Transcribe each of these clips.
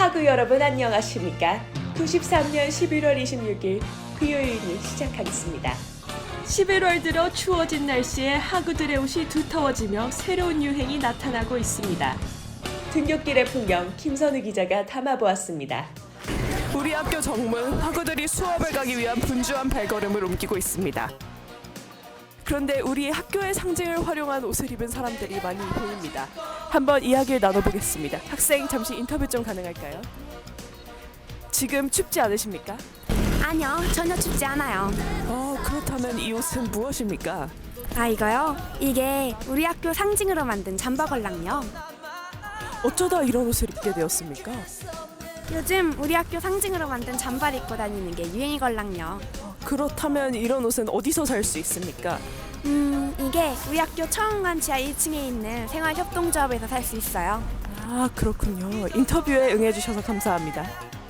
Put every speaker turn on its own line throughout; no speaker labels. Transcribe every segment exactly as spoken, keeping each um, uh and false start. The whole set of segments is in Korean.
하구 여러분 안녕하십니까? 구십삼 년 십일월 이십육일 비오유인을 시작하겠습니다. 십일월 들어 추워진 날씨에 하구들의 옷이 두터워지며 새로운 유행이 나타나고 있습니다. 등굣길의 풍경 김선우 기자가 담아보았습니다.
우리 학교 정문 학우들이 수업을 가기 위한 분주한 발걸음을 옮기고 있습니다. 그런데 우리 학교의 상징을 활용한 옷을 입은 사람들이 많이 보입니다. 한번 이야기를 나눠보겠습니다. 학생 잠시 인터뷰 좀 가능할까요? 지금 춥지 않으십니까?
아니요, 전혀 춥지 않아요.
어, 그렇다면 이 옷은 무엇입니까?
아, 이거요? 이게 우리 학교 상징으로 만든 잠바걸랑요.
어쩌다 이런 옷을 입게 되었습니까?
요즘 우리 학교 상징으로 만든 잠바를 입고 다니는 게 유행이걸랑요.
그렇다면 이런 옷은 어디서 살 수 있습니까?
음, 이게 우리 학교 처음관 지하 일 층에 있는 생활협동조합에서 살 수 있어요.
아, 그렇군요. 인터뷰에 응해주셔서 감사합니다.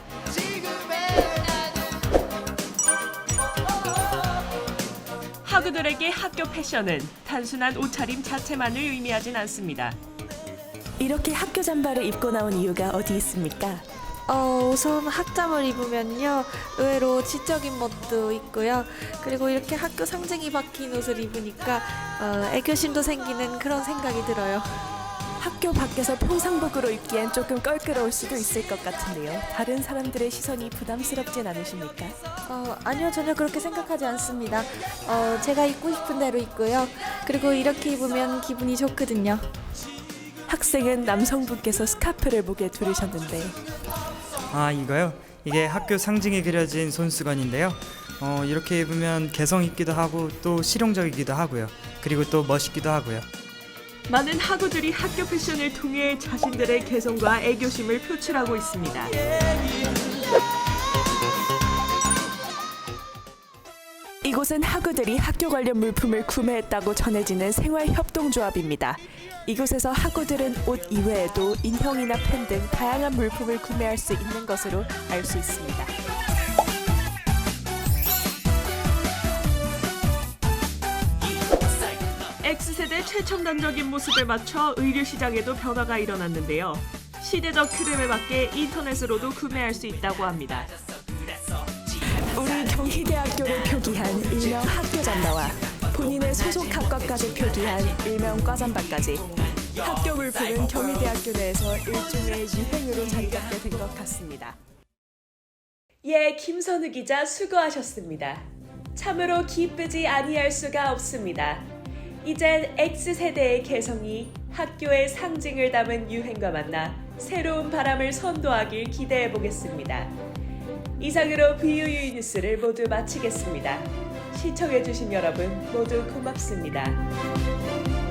하구들에게 학교 패션은 단순한 옷차림 자체만을 의미하진 않습니다.
이렇게 학교 잠바를 입고 나온 이유가 어디 있습니까?
어, 우선 학잠을 입으면요 의외로 지적인 멋도 있고요. 그리고 이렇게 학교 상징이 박힌 옷을 입으니까 어, 애교심도 생기는 그런 생각이 들어요.
학교 밖에서 평상복으로 입기엔 조금 껄끄러울 수도 있을 것 같은데요. 다른 사람들의 시선이 부담스럽진 않으십니까?
어, 아니요, 전혀 그렇게 생각하지 않습니다. 어, 제가 입고 싶은 대로 입고요. 그리고 이렇게 입으면 기분이 좋거든요.
학생은 남성분께서 스카프를 목에 두르셨는데
아, 이거요? 이게 학교 상징이 그려진 손수건인데요. 어, 이렇게 입으면 개성 있기도 하고 또 실용적이기도 하고요. 그리고 또 멋있기도 하고요.
많은 하구들이 학교 패션을 통해 자신들의 개성과 애교심을 표출하고 있습니다.
이곳은 학우들이 학교 관련 물품을 구매했다고 전해지는 생활협동조합입니다. 이곳에서 학우들은 옷 이외에도 인형이나 펜 등 다양한 물품을 구매할 수 있는 것으로 알 수 있습니다.
X세대 최첨단적인 모습에 맞춰 의류 시장에도 변화가 일어났는데요. 시대적 흐름에 맞게 인터넷으로도 구매할 수 있다고 합니다.
우리 경희대학교를 표기한 일명 학교 잠바와 본인의 소속 학과까지 표기한 일명 과잠바까지 학교 물품은 경희대학교 내에서 일종의 유행으로 자리 잡게 된 것 같습니다.
예, 김선우 기자 수고하셨습니다. 참으로 기쁘지 아니할 수가 없습니다. 이젠 X세대의 개성이 학교의 상징을 담은 유행과 만나 새로운 바람을 선도하길 기대해 보겠습니다. 이상으로 비유유 뉴스를 모두 마치겠습니다. 시청해주신 여러분 모두 고맙습니다.